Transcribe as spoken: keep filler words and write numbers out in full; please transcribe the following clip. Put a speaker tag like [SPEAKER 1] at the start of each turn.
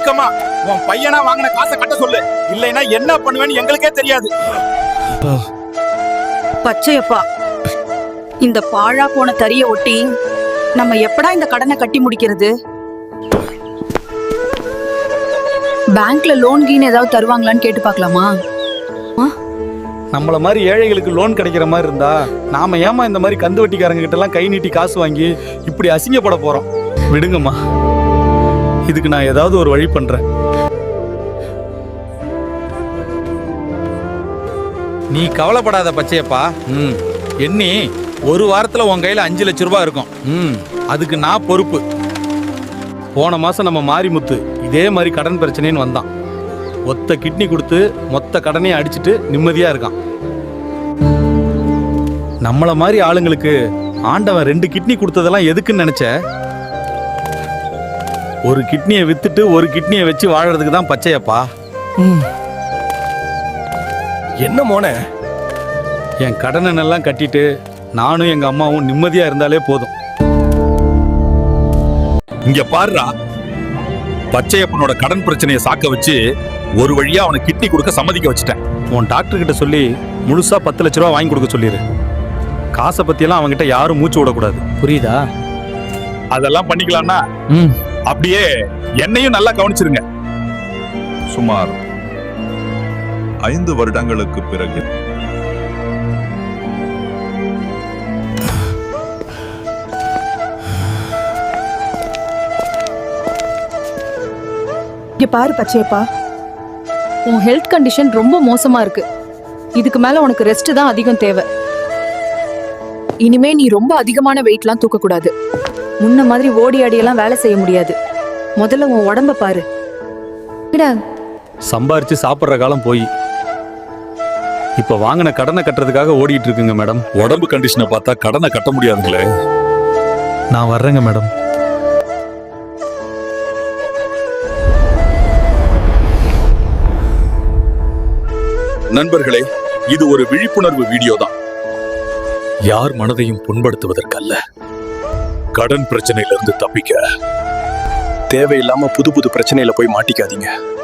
[SPEAKER 1] சுருக்கமா உன் பையனா வாங்கின காசை கட்ட சொல்லு, இல்லைன்னா என்ன பண்ணுவேன்னு எங்களுக்கே தெரியாது.
[SPEAKER 2] பச்சையப்பா, இந்த பாழா போன தறிய ஒட்டி நம்ம எப்படா இந்த கடனை கட்டி முடிக்கிறது? பேங்க்ல லோன் கீன் ஏதாவது தருவாங்களான்னு கேட்டு பார்க்கலாமா?
[SPEAKER 3] நம்மள மாதிரி ஏழைகளுக்கு லோன் கிடைக்கிற மாதிரி இருந்தா நாம ஏமா இந்த மாதிரி கந்து வட்டிக்காரங்க கிட்ட எல்லாம் கை நீட்டி காசு வாங்கி இப்படி அசிங்கப்பட போறோம்? விடுங்கம்மா, இதுக்கு நான் ஏதாவது ஒரு வழி பண்றேன்.
[SPEAKER 1] நீ கவலைப்படாத பச்சையப்பா. ம் எண்ணி ஒரு வாரத்துல உன் கையில அஞ்சு லட்சம் ரூபாய் இருக்கும். ம் அதுக்கு நான் பொறுப்பு.
[SPEAKER 3] போன மாசம் நம்ம மாரிமுத்து இதே மாதிரி கடன் பிரச்சனைன்னு வந்தான். ஒத்த கிட்னி கொடுத்து மொத்த கடனையும் அடிச்சுட்டு நிம்மதியா இருக்கான். நம்மள மாதிரி ஆளுங்களுக்கு ஆண்டவன் ரெண்டு கிட்னி கொடுத்ததெல்லாம் எதுக்குன்னு நினைச்ச? ஒரு கிட்னியை வித்துட்டு ஒரு கிட்னியை வச்சு வாழறதுக்கு தான் பச்சையப்பா.
[SPEAKER 4] என்ன மோனே,
[SPEAKER 3] என் கடனை எல்லாம் கட்டிட்டு நானும் எங்க அம்மாவும் நிம்மதியா இருந்தாலே போதும்.
[SPEAKER 1] இங்க பாருடா, பச்சையப்பனோட கடன் பிரச்சனையை சாக்க வச்சு ஒரு வழியா அவனை கிட்னி கொடுக்க சம்மதிக்க வச்சுட்டேன்.
[SPEAKER 3] உன் டாக்டர் கிட்ட சொல்லி முழுசா பத்து லட்ச ரூபா வாங்கி கொடுக்க சொல்லிடு. காசை பத்தியெல்லாம் அவன்கிட்ட யாரும் மூச்சு விடக்கூடாது, புரியுதா?
[SPEAKER 1] அதெல்லாம் பண்ணிக்கலாம்னா அப்படியே என்னையும் நல்லா கவனிச்சிருங்க.
[SPEAKER 5] சுமார் ஐந்து வருடங்களுக்கு பிறகு
[SPEAKER 6] இங்க பாரு பச்சையப்பா, உன் ஹெல்த் கண்டிஷன் ரொம்ப மோசமா இருக்கு. இதுக்கு மேல உனக்கு ரெஸ்ட் தான் அதிகம் தேவை. இனிமே நீ ரொம்ப அதிகமான வெயிட்லாம் தூக்க கூடாது. முன்ன மாதிரி ஓடி ஆடியெல்லாம் வேலை செய்ய முடியாது. முதல்ல உன் உடம்ப பாரு.
[SPEAKER 3] சம்பாரிச்சு சாப்பிட்ற காலம் போய் இப்ப வாங்கின கடனை கட்டுறதுக்காக ஓடிட்டு இருக்குங்க மேடம்.
[SPEAKER 1] உடம்பு கண்டிஷனை பார்த்தா கடனை கட்ட முடியாதுங்களே.
[SPEAKER 3] நான் வர்றேங்க மேடம்.
[SPEAKER 1] நண்பர்களே, இது ஒரு விழிப்புணர்வு வீடியோ தான். யார் மனதையும் புண்படுத்துவதற்கல்ல, கடன் பிரச்சனையிலிருந்து தப்பிக்க.
[SPEAKER 4] தேவையில்லாம புது புது பிரச்சனையில போய் மாட்டிக்காதீங்க.